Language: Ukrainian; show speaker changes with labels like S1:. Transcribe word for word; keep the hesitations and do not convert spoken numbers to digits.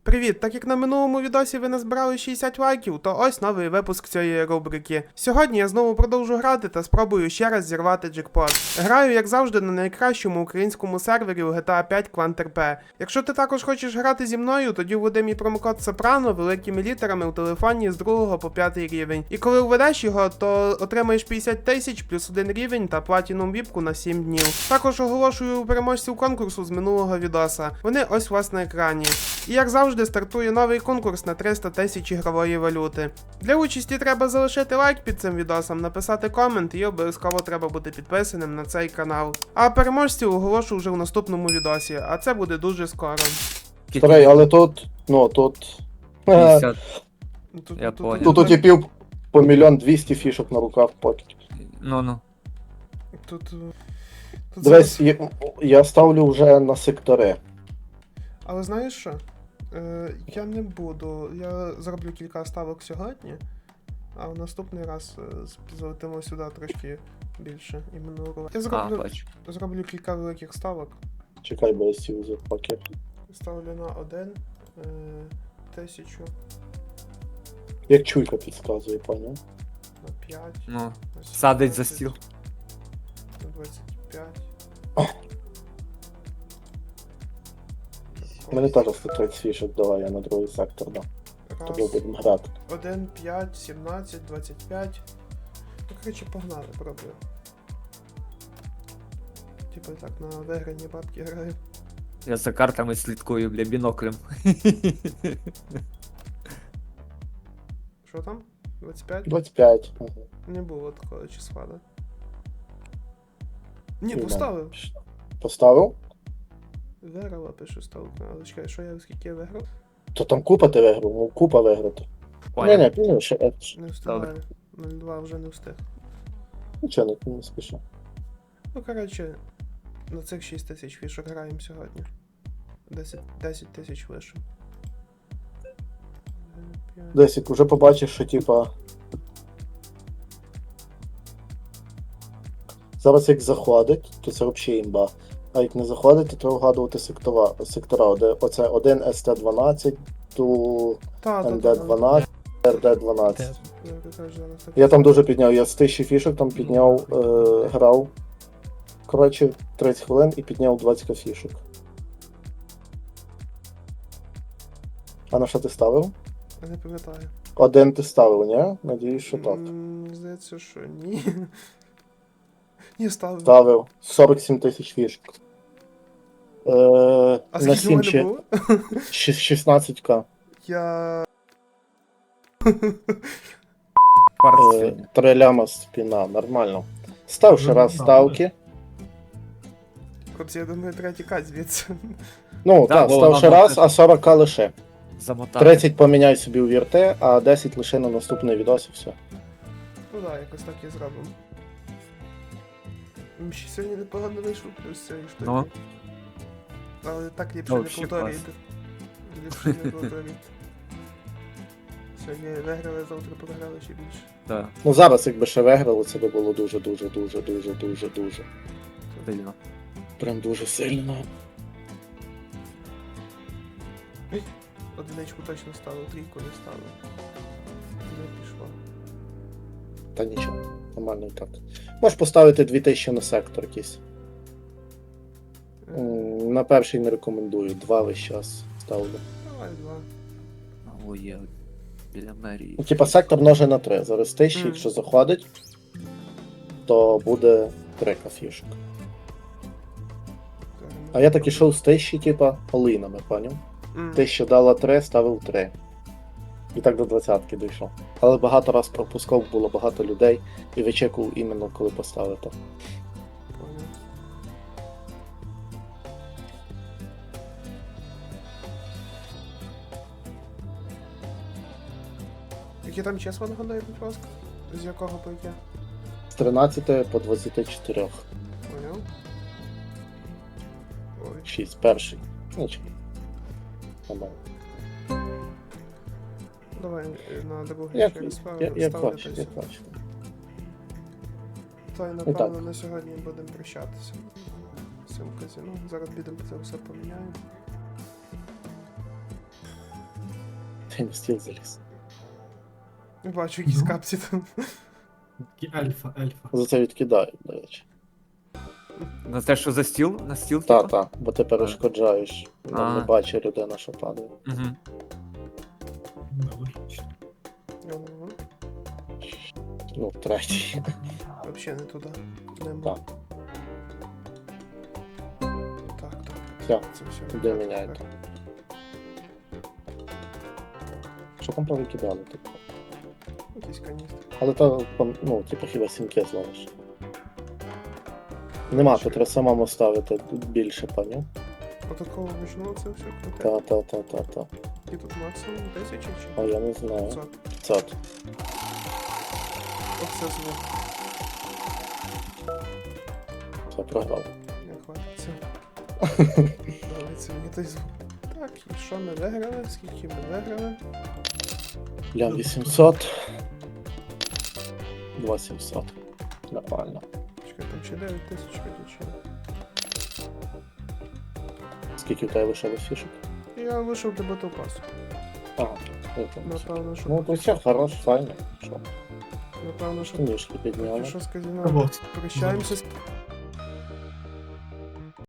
S1: Привіт! Так як на минулому відосі ви назбирали шістдесят лайків, то ось новий випуск цієї рубрики. Сьогодні я знову продовжу грати та спробую ще раз зірвати джекпот. Граю, як завжди, на найкращому українському сервері у джі ті ей п'ять Clan.rp. Якщо ти також хочеш грати зі мною, тоді введи мій промокод Сопрано великими літерами у телефоні з другого по п'ятий рівень. І коли введеш його, то отримаєш п'ятдесят тисяч плюс один рівень та платінум віпку на сім днів. Також оголошую переможців конкурсу з минулого відоса. Вони ось у вас на екрані. І як завжди стартує новий конкурс на триста тисяч ігрової валюти. Для участі треба залишити лайк під цим відосом, написати комент і обов'язково треба бути підписаним на цей канал. А переможців оголошу вже в наступному відосі, а це буде дуже скоро.
S2: Старий, але тут, ну тут...
S3: п'ятдесят.
S1: Тут,
S3: Я
S1: тут,
S3: понял.
S2: Тут у типів по мільйон двісті фішок на руках покет.
S3: Ну-ну.
S1: Тут, тут
S2: Дивись,
S1: зараз...
S2: я, я ставлю вже на сектори.
S1: Але знаєш що? Е, я не буду. Я зроблю кілька ставок сьогодні, а в наступний раз е, залетимо сюди трошки більше. Іменно урова. Я
S3: А,
S1: зроблю,
S3: бачу.
S1: зроблю кілька великих ставок.
S2: Чекай, бо я сів за покет.
S1: Ставлю на один, е, тисячу,
S2: Як чуйка підказує, поняв?
S1: на п'ять,
S3: Ну,
S1: на
S3: садить за
S1: сімнадцять,
S3: стіл.
S1: на двадцять п'ять.
S2: Мені теж сто тридцять фішок давай, я на другий сектор дам. Тобі
S1: Раз,
S2: будемо грати.
S1: один, п'ять, сімнадцять, двадцять п'ять. Ну, коротше, погнали, пробую. Типа так, на виграні бабки граю.
S3: Я за картами слідкую, бля, біноклем.
S1: Що там? двадцять п'ять?
S2: двадцять п'ять. Ага.
S1: Не було такого числа, да? Ні,
S2: І в мене.
S1: поставив.
S2: Поставив?
S1: Виграла, пишу ставку. Але чекай, що я скільки я виграв?
S2: То там купа ти виграв, ну купа виграти. Ні, ні, пізно, ще е,
S1: Не встигаю. нуль два вже не встиг.
S2: нічого не, не спішу.
S1: Ну, коротше, на цих шість тисяч фішок граємо сьогодні. десять тисяч лише.
S2: Десь як вже побачиш, що типа. Зараз як заходить, то це взагалі імба. А як не заходить, то треба вгадувати сектора, сектора де оце один ес те дванадцять, ту
S1: Та, та,
S2: ен
S1: та,
S2: де дванадцять, ер де дванадцять.
S1: Я кажу, зараз так.
S2: Я там дуже підняв, я з тисячі фішок там підняв, е, грав. Коротше, тридцять хвилин і підняв двадцять фішок. А на що ти ставив?
S1: Я не пам'ятаю.
S2: Один ти ставив, ні? Надіюсь, що так.
S1: М, Здається, що ні. Ні, ставив.
S2: Ставив сорок сім тисяч фішок. Е,
S1: А
S2: на
S1: скільки в
S2: сім
S1: мене
S2: ще
S1: було?
S2: шістнадцять ка.
S1: Я...
S3: Кварц.
S2: Три ляма спіна, нормально. Став ще раз ставки.
S1: Хлопці, я думаю, треба тікати звідси.
S2: Ну,
S3: Да,
S2: так,
S3: бо
S2: став
S3: нам
S2: ще
S3: буде-
S2: раз, а сорок ка лише.
S3: Замотати.
S2: тридцять поміняй собі у вірте, а десять лише на наступний відос і все.
S1: Ну так, якось так і зробимо. М, Ще сьогодні непогано вийшло, плюс цієї штуки.
S3: Ну.
S1: Але так ліпше
S3: Ну,
S1: не
S3: вообще
S1: повторюйте. Ліпше не повторюйте. Сьогодні виграли, завтра програли ще більше.
S3: Да,
S2: Ну зараз, якби ще виграли, це би було дуже, дуже, дуже, дуже, дуже, дуже.
S3: сильно.
S2: Прям дуже сильно.
S1: Одиничку точно ставив, трійку не ставив. Не пішло.
S2: Та нічого, нормально і так. Можеш поставити дві тисячі на сектор якийсь.
S1: Е,
S2: М, На перший не рекомендую, два весь час ставлю.
S1: Давай два.
S3: Ой, я біля мерії.
S2: Ну, типа сектор множе на три. Зараз тисячі,
S1: Мгм.
S2: якщо заходить, то буде три кафішок. А я так ішов з тисячі, типа, полинами, поняв?
S1: М.
S2: Тисяча дала три, ставив три. І так до двадцятки дійшов. Але багато раз пропускав, було багато людей і вичекував іменно коли поставити.
S1: Понял. Які там числа нагадаю, будь ласка? З якого по яке?
S2: З тринадцяти по двадцять чотири.
S1: Поняв? Ой.
S2: шість, перший. Нічого. Нормально.
S1: Давай е, на другий
S2: Як,
S1: через пару
S2: як, як
S1: ставлю
S2: хочеш,
S1: та й
S2: як
S1: все.
S2: хочеш.
S1: Та й
S2: так.
S1: напевно на сьогодні будемо прощатися. З цим казино. Зараз підемо це все поміняємо.
S2: Я не стіл заліз.
S1: Бачу, якісь
S4: Ну.
S1: капці там.
S4: Такі ельфа, ельфа.
S2: За це відкидають, до речі.
S3: На те, що за стіл? На стіл,
S2: Та,
S3: типа?
S2: та, бо ти перешкоджаєш. Нам не
S3: А.
S2: бачить людина, що падає.
S3: Угу.
S4: Ну, логічно.
S1: Ну,
S2: Ну, третій.
S1: Вообще не туди. Нема.
S2: Так.
S1: Так, так.
S2: Все,
S1: Це все.
S2: де
S1: Так,
S2: міняєте?
S1: так.
S2: Що там повикидали, типу?
S1: Якісь каністри.
S2: Але то, ну, типу, хіба сімки зловиш. Нема, то треба самому ставити більше паню.
S1: Отакого вижну це все круте.
S2: Та, та, та, та, та.
S1: І тут максимум тисячі
S2: А
S1: чи
S2: я не знаю.
S1: п'ятсот.
S2: п'ятсот.
S1: Оце звук.
S2: Все, програв.
S1: Не хватиться. Давайте мені той звук. Так, і що ми виграли? Скільки ми виграли?
S2: Я вісімсот. два сімсот. Нормально.
S1: Чекай, там ще дев'ять тисяч виключили.
S2: Скільки у тебе лишилось фішок?
S1: Я вийшов до Battle Pass.
S2: А, я там.
S1: Напевно, що...
S2: Ну, то все, хорош, файно. Що?
S1: Напевно, що...
S2: Ніжки підняли.
S1: Що з казино?
S4: Вот.
S1: Прощаємося з